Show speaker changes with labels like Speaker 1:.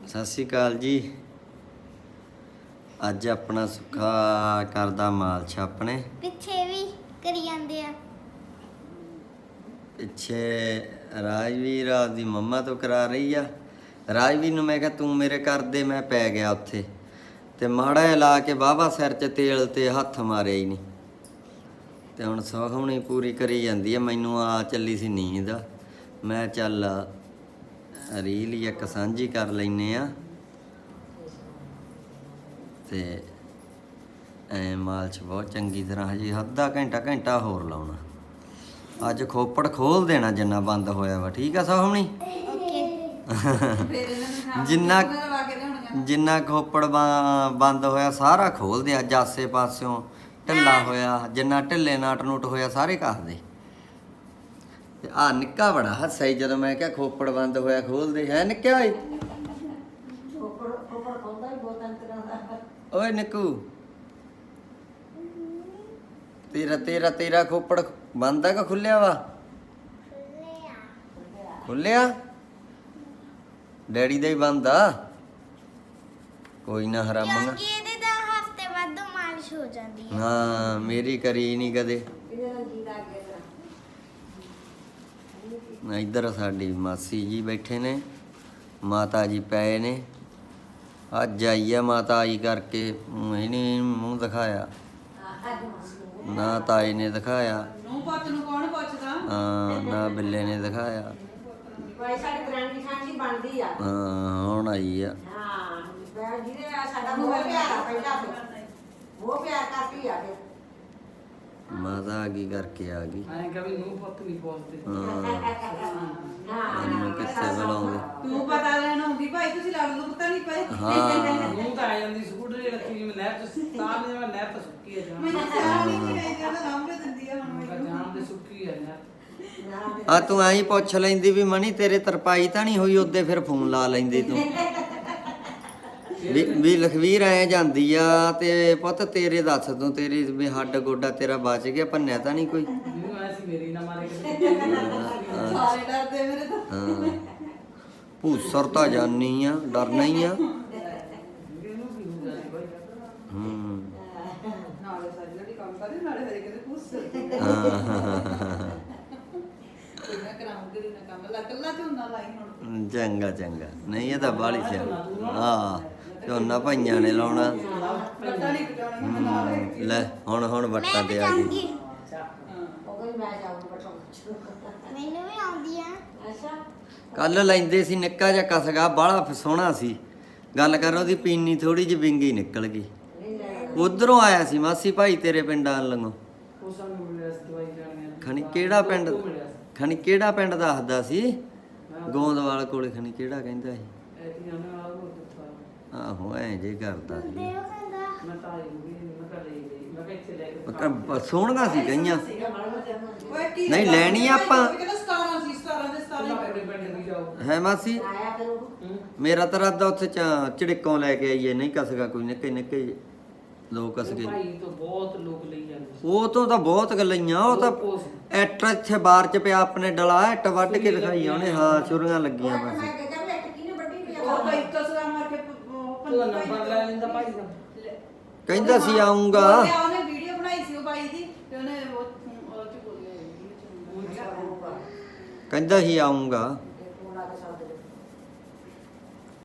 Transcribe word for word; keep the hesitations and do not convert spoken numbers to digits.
Speaker 1: ਸਤਿ ਸ਼੍ਰੀ ਅਕਾਲ ਜੀ। ਅੱਜ ਆਪਣਾ ਸੁੱਖਾ ਕਰਦਾ ਮਾਲਸ਼ ਆਪਣੇ
Speaker 2: ਪਿੱਛੇ ਵੀ ਕਰੀ ਜਾਂਦੇ ਆ।
Speaker 1: ਪਿੱਛੇ ਰਾਜਵੀਰ ਆਪਦੀ ਮੰਮਾ ਤੋਂ ਕਰਾ ਰਹੀ ਆ। ਰਾਜਵੀਰ ਨੂੰ ਮੈਂ ਕਿਹਾ ਤੂੰ ਮੇਰੇ ਕਰ ਦੇ, ਮੈਂ ਪੈ ਗਿਆ ਉੱਥੇ ਤੇ ਮਾੜਾ ਜਿਹਾ ਲਾ ਕੇ ਵਾਹਵਾ ਸਿਰ 'ਚ ਤੇਲ ਤੇ ਹੱਥ ਮਾਰਿਆ ਹੀ ਨਹੀਂ ਤੇ ਹੁਣ ਸੌਖਣੀ ਪੂਰੀ ਕਰੀ ਜਾਂਦੀ ਆ। ਮੈਨੂੰ ਆ ਚੱਲੀ ਸੀ ਨੀਂਦ, ਮੈਂ ਚੱਲ ਰੀਲ ਹੀ ਇੱਕ ਸਾਂਝੀ ਕਰ ਲੈਨੇ ਆ ਤੇ ਐ ਮਾਲਸ਼ ਬਹੁਤ ਚੰਗੀ ਤਰ੍ਹਾਂ ਹਜੇ ਅੱਧਾ ਘੰਟਾ ਘੰਟਾ ਹੋਰ ਲਾਉਣਾ। ਅੱਜ ਖੋਪੜ ਖੋਲ ਦੇਣਾ ਜਿੰਨਾ ਬੰਦ ਹੋਇਆ ਵਾ, ਠੀਕ ਆ ਸੋਹਣੀ? ਜਿੰਨਾ ਜਿੰਨਾ ਖੋਪੜ ਬੰਦ ਹੋਇਆ ਸਾਰਾ ਖੋਲ ਦੇ। ਅੱਜ ਆਸੇ ਪਾਸਿਓਂ ਢਿੱਲਾ ਹੋਇਆ, ਜਿੰਨਾ ਢਿੱਲੇ ਨਾਟ ਨੂਟ ਹੋਇਆ ਸਾਰੇ ਕੱਸ ਦੇ। ਤੇ ਆ ਨਿੱਕਾ ਬੜਾ ਹੱਸਿਆ ਜਦੋਂ ਮੈਂ ਕਿਹਾ ਖੋਪੜ ਬੰਦ ਹੋਇਆ ਖੋਲ ਦੇ। ਹੈ ਨਿੱਕਿਆ ਓਏ, ਓਏ ਨਿੱਕੂ ਤੇਰਾ ਤੇਰਾ ਤੇਰਾ ਖੋਪੜ ਬੰਦ ਆ ਕਿ ਖੁੱਲਿਆ ਵਾ? ਖੁੱਲਿਆ। ਡੈਡੀ ਦਾ ਹੀ ਬੰਦ ਆ। ਕੋਈ ਨਾ ਹਰਾਮਾ
Speaker 2: ਕਿਉਂਕਿ ਇਹਦੇ ਤਾਂ ਹਫਤੇ ਬਾਅਦ ਮਾਲਿਸ਼ ਹੋ ਜਾਂਦੀ ਹੈ।
Speaker 1: ਹਾਂ ਮੇਰੀ ਕਰੀ ਨਹੀਂ ਕਦੇ। ਇੱਧਰ ਸਾਡੀ ਮਾਸੀ ਜੀ ਬੈਠੇ ਨੇ, ਮਾਤਾ ਜੀ ਪਏ ਨੇ। ਅੱਜ ਆਈ ਆ ਮਾਤਾ ਆਈ ਕਰਕੇ, ਇਹਨੇ ਮੂੰਹ ਦਿਖਾਇਆ ਨਾ, ਤਾਏ ਨੇ ਦਿਖਾਇਆ ਹਾਂ, ਨਾ ਬਿੱਲੇ ਨੇ ਦਿਖਾਇਆ। ਹਾਂ ਹੁਣ ਆਈ ਆ। ਮਾਤਾ ਆ ਗਈ ਕਰਕੇ ਆ ਗਈ। ਹਾਂ ਮੈਨੂੰ ਕਿੱਥੇ ਬੁਲਾਉਂਦੇ।
Speaker 3: ਤੂੰ ਪਤਾ ਲੈਣ ਆਉਂਦੀ ਭਾਈ, ਤੁਸੀਂ ਲੜ ਲਓ ਪਤਾ ਨਹੀਂ ਪਏ।
Speaker 1: ਹਾਂ
Speaker 3: ਮੂੰਹ ਤਾਂ ਆ ਜਾਂਦੀ ਸਕੂਟਰ ਰੱਖੀ ਮੈਂ ਨਹਿਰ ਚ ਤਾਂ ਮੈਂ ਨਹਿਰ ਤਾਂ ਸੁੱਕੀ ਆ ਜਾਣ। ਮੈਨੂੰ ਚਾਹ ਨਹੀਂ ਪਈ ਜਾਂਦਾ ਲਾਂਬੇ ਦਿੰਦੀ ਆ ਹੁਣ ਮੈਨੂੰ ਜਾਣ ਦੇ ਸੁੱਕੀ ਆ ਯਾਰ।
Speaker 1: ਆ ਤੂੰ ਐਂ ਪੁੱਛ ਲੈਂਦੀ ਵੀ ਮਣੀ ਤੇਰੇ ਤਰਪਾਈ ਤਾਂ ਨਹੀਂ ਹੋਈ, ਉਹਦੇ ਫਿਰ ਫੋਨ ਲਾ ਲੈਂਦੀ ਤੂੰ ਵੀ ਵੀ ਲਖਵੀਰ ਐ ਜਾਂਦੀ ਆ ਤੇ ਪੁੱਤ ਤੇਰੇ ਦੱਸ ਤੂੰ, ਤੇਰੀ ਵੀ ਹੱਡ ਗੋਡਾ ਤੇਰਾ ਬਚ ਗਿਆ, ਭੰਨਿਆ ਤਾਂ ਨਹੀਂ ਕੋਈ?
Speaker 3: ਮੈਨੂੰ ਐ ਸੀ ਮੇਰੀ ਨਾ ਮਾਰੇ ਸਾਰੇ ਡਰਦੇ ਮੇਰੇ ਤੋਂ।
Speaker 1: ਹਾਂ ਭੂਸਰ ਤਾਂ ਜਾਨੀ ਆ, ਡਰਨਾ ਹੀ ਆ। ਹੂੰ
Speaker 3: ਨਾਲੇ ਸਾਡੀ ਜਿਹੜੀ ਕੰਮ ਕਰਦੇ ਨਾਲੇ ਹਰੇ ਕਿਤੇ ਪੁੱਛ
Speaker 1: ਹਾਂ
Speaker 3: ਮੈਂ ਕਰਾਉਂਗੀ ਨਾ ਕੰਮ ਲਾ ਕੱਲਾ ਝੋਨਾ ਲਾਈ ਹੁਣ।
Speaker 1: ਚੰਗਾ ਚੰਗਾ, ਨਹੀਂ ਇਹ ਤਾਂ ਬਾਹਲੀ ਚ ਹਾਂ ਝੋਨਾ ਭਾਈਆਂ ਨੇ ਲਾਉਣਾ।
Speaker 3: ਪਤਾ ਨਹੀਂ ਪਟਾਉਣਾ ਮੈਂ ਨਾਲ
Speaker 1: ਹੂੰ, ਲੈ ਹੁਣ ਹੁਣ ਵੱਟਾਂ ਤੇ ਆ ਗਈ।
Speaker 2: ਮੈਨੂੰ ਵੀ ਆਉਂਦੀ ਆ।
Speaker 1: ਕੱਲ ਲੈਂਦੇ ਸੀ ਨਿੱਕਾ ਜਿਹਾ ਕਸਗਾ, ਬਾਹਲਾ ਸੋਹਣਾ ਸੀ। ਗੱਲ ਕਰ ਉਹਦੀ ਪੀਨੀ ਥੋੜੀ ਜਿਹੀ ਵਿੰਗੀ ਨਿਕਲ ਗਈ। ਉਧਰੋਂ ਆਇਆ ਸੀ ਮਾਸੀ ਭਾਈ ਤੇਰੇ ਪਿੰਡਾਂ ਲੰਗੋਂ।
Speaker 3: ਉਹ ਸਾਨੂੰ ਮਿਲਿਆ ਸੀ ਦਵਾਈ ਲੈਣੀ।
Speaker 1: ਖਣੀ ਕਿਹੜਾ ਪਿੰਡ, ਖਣੀ ਕਿਹੜਾ ਪਿੰਡ ਦੱਸਦਾ ਸੀ? ਗੋਂਦਵਾਲ ਕੋਲੇ ਖਣੀ ਕਿਹੜਾ ਕਹਿੰਦਾ ਸੀ? ਆਹੋ ਐ ਜੇ ਕਰਦਾ ਸੀ।
Speaker 2: ਦੇਵ ਕਹਿੰਦਾ
Speaker 3: ਮੈਂ ਤਾਂ ਆਈ ਵੀ ਮੈਂ ਕਰ ਲਈ ਗਈ ਮੈਂ ਇੱਥੇ ਲੈ ਕੇ
Speaker 1: ਕ- ਸੋਹਣੀਆਂ ਸੀ ਗਈਆਂ।
Speaker 3: ਓਏ ਕੀ
Speaker 1: ਨਹੀਂ ਲੈਣੀ ਆਪਾਂ।
Speaker 3: ਕਹਿੰਦਾ ਸਤਾਰਾਂ ਸੀ, ਸਤਾਰਾਂ ਦੇ ਸਤਾਰਾਂ ਪੈਣੇ ਪੈਣੇ ਵੀ ਜਾਓ।
Speaker 1: ਹੈ ਮਾਸੀ ਮੇਰਾ ਤਾਂ ਰਾਦਾ ਉੱਥੇ ਚ- ਝਿੜਕੋਂ ਲੈ ਕੇ ਆਈਏ। ਨਹੀਂ ਕਸਗਾ ਕੋਈ ਨਿੱਕੇ ਨਿੱਕੇ ਲੋਕ ਕਸਗੇ।
Speaker 3: ਭਾਈ ਤੋਂ ਬਹੁਤ ਲੋਕ ਲਈ ਜਾਂਦੇ ਸੀ।
Speaker 1: ਉਹ ਤੋਂ ਤਾਂ ਬਹੁਤ ਗੱਲਾਂ। ਉਹ ਤਾਂ ਐਟ ਇੱਥੇ ਬਾਹਰ ਚ ਪਿਆ ਆਪਣੇ ਡਲਾ, ਐਟ ਵੱਢ ਕੇ ਦਿਖਾਈ ਉਹਨੇ। ਹਾਂ ਛੁਰੀਆਂ ਲੱਗੀਆਂ ਬਸ।
Speaker 3: ਉਹ ਤਾਂ ਇੱਕ ਸਲਾਮ ਮਾਰ ਕੇ ਉਹ ਨੰਬਰ ਲੈ ਲੈਂਦਾ ਭਾਈ ਦਾ।
Speaker 1: ਕਹਿੰਦਾ ਸੀ ਆਉਂਗਾ।
Speaker 3: ਉਹਨੇ ਵੀਡੀਓ ਬਣਾਈ ਸੀ ਉਹ ਬਾਈ ਦੀ ਤੇ ਉਹਨੇ ਉਹ ਉਹ ਚ ਬੋਲਿਆ
Speaker 1: ਕਹਿੰਦਾ ਸੀ ਆਉਂਗਾ।